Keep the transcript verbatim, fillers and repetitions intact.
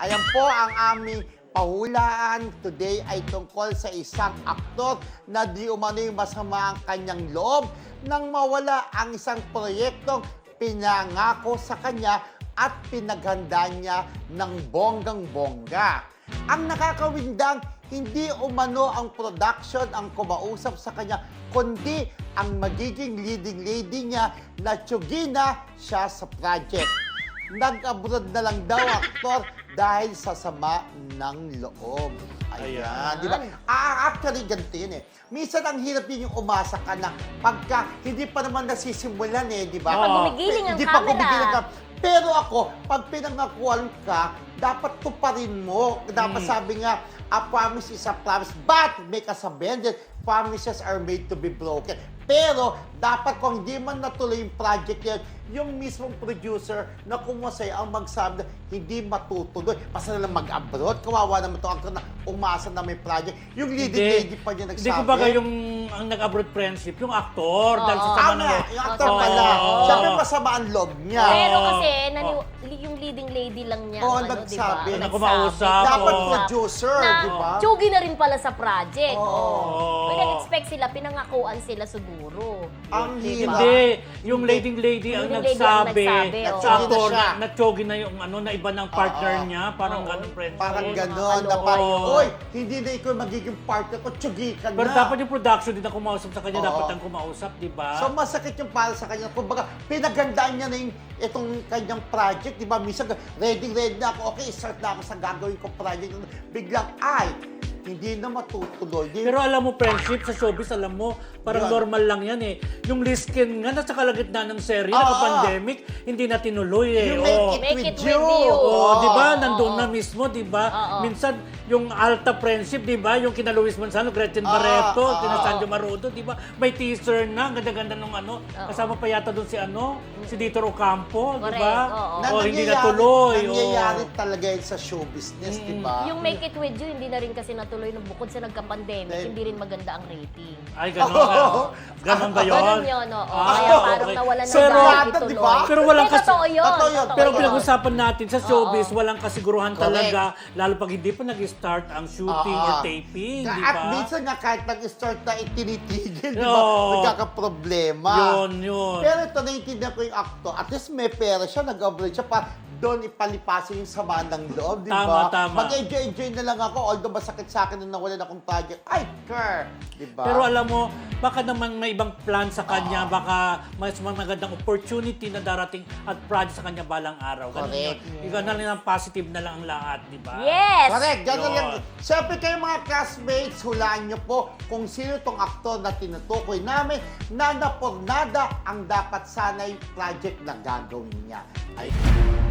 Ayan po ang aming pahulaan today ay tungkol sa isang aktor na di umano'y masama ang kanyang loob nang mawala ang isang proyektong pinangako sa kanya at pinaghanda niya ng bonggang-bongga. Ang nakakawindang, hindi umano ang production ang kumausap sa kanya, kundi ang magiging leading lady niya na tiyugina siya sa project. Nag-abroad na lang daw aktor dahil sa sama ng loob. Ayan, Ayan. di ba? Ah, actually, ganito yun eh. Minsan ang hirap yun yung umasa ka na pagka hindi pa naman nasisimulan eh, di ba? Kapag gumigiling ang Hindi pa camera. gumigiling ka. Pero ako, pag pinangakuan ka, dapat tuparin mo. Dapat Mm. sabi nga, a promise is a promise, but may kasabihan din, promises are made to be broken. Pero, dapat kung hindi man natuloy yung project yan, yung mismong producer na kumusay ang magsabi na hindi matutuloy. Basta na lang mag-abroad. Kawawa naman ito actor na umasa na may project. Yung leading lady pa niya nagsabi. Hindi ko baga yung ang nag-abroad friendship, yung actor. Dahil sa Oo. sama Tama, ng... yung actor Oo. pala. Oo. Siyempre masama ang loob niya. Pero Oo. kasi, nani- Oo. yung leading lady lang niya, Oo, ang ano, nagsabi. diba? Na kumausap. Dapat Oo. producer, na, di ba? tsugi na rin pala sa project. Oo. Oh. Pwede expect sila, pinangakuan sila siguro. Ang hirap. Hindi, yung leading lady ang Leading lady ang nagsabi, nagsabi, oo. sa actor, Nagsugi na siya. na natsogi na yung ano, na iba ng partner Oo. niya, parang Oo. ganun friendship. Parang Oo, gano'n, na nakakaloka. parang, Oo. oy, hindi na ikaw magiging partner ko, tsugi ka na. Pero dapat yung production din na kumausap sa kanya, Oo. dapat ang kumausap, di ba? So masakit yung para sa kanya. Kumbaga, pinagandaan niya na yung itong kanyang project, di ba? Minsan, ready, ready na ako, okay, start na ako sa gagawin ko project. Biglang, ay, hindi na matutuloy. Di- Pero alam mo, friendship sa showbiz, alam mo, parang Yun. normal lang yan eh. Yung Liskin nga, nasa kalagitnaan ng serye, Oo. naka-pandemic, hindi na tinuloy eh. You Oo. make it, Make with, it you. with you. Oo, di ba? Oo, Nandun oo. na mismo, di ba? Oo. Minsan, yung Alta Friendship, di ba? Yung kina Luis Manzano, Gretchen Ah, Barreto, ah. kina Sanjo Marudo, di ba? May teaser na, ang ganda-ganda nung ano. Oo. Kasama pa yata doon si ano, si Dito Ocampo, di Correct, ba? oo. Na O, hindi nangyayari- natuloy. oo. Nangyayari talaga yun sa show business, di ba? Yung Make It With You, hindi na rin kasi natuloy nung bukod sa nagka-pandemic, Then- hindi rin maganda ang rating. Ay, gano'n. Oo. Ganon ba yun? Ganun yun, oo. Ah, Kaya parang okay. nawalan ng Pero- gana Di ituloy. ba? Pero walang Hindi, kasi- totoo yun. Totoo yun. totoo Pero yun. pinag-usapan natin sa showbiz, Oo. walang kasiguruhan Correct. talaga, lalo pag hindi pa nag-start ang shooting Oo. or taping, di At ba? minsan nga, kahit nag-start na itinitigil, di ba? Oo. Nagkakaproblema. Yun, yun. Pero ito, naiintindihan ko yung actor. At least may pera siya, nag-upgrade siya pa doon ipalipasin yung sama ng loob, di ba? Tama, tama. Mag-enjoy-enjoy na lang ako, although masakit sa akin nung nawalan akong project. Ay, ker! Di ba? Pero alam mo, baka naman may ibang plan sa kanya, baka mas magandang opportunity na darating at project sa kanya balang araw. Ganun Correct. yun. Ikaw na lang ang positive na lang ang lahat, di ba? Yes! Correct, gano'n Yun. lang. Siyempre kayo mga classmates, hulaan nyo po kung sino tong aktor na tinutukoy namin na napornada ang dapat sanay project na gagawin niya. Ay,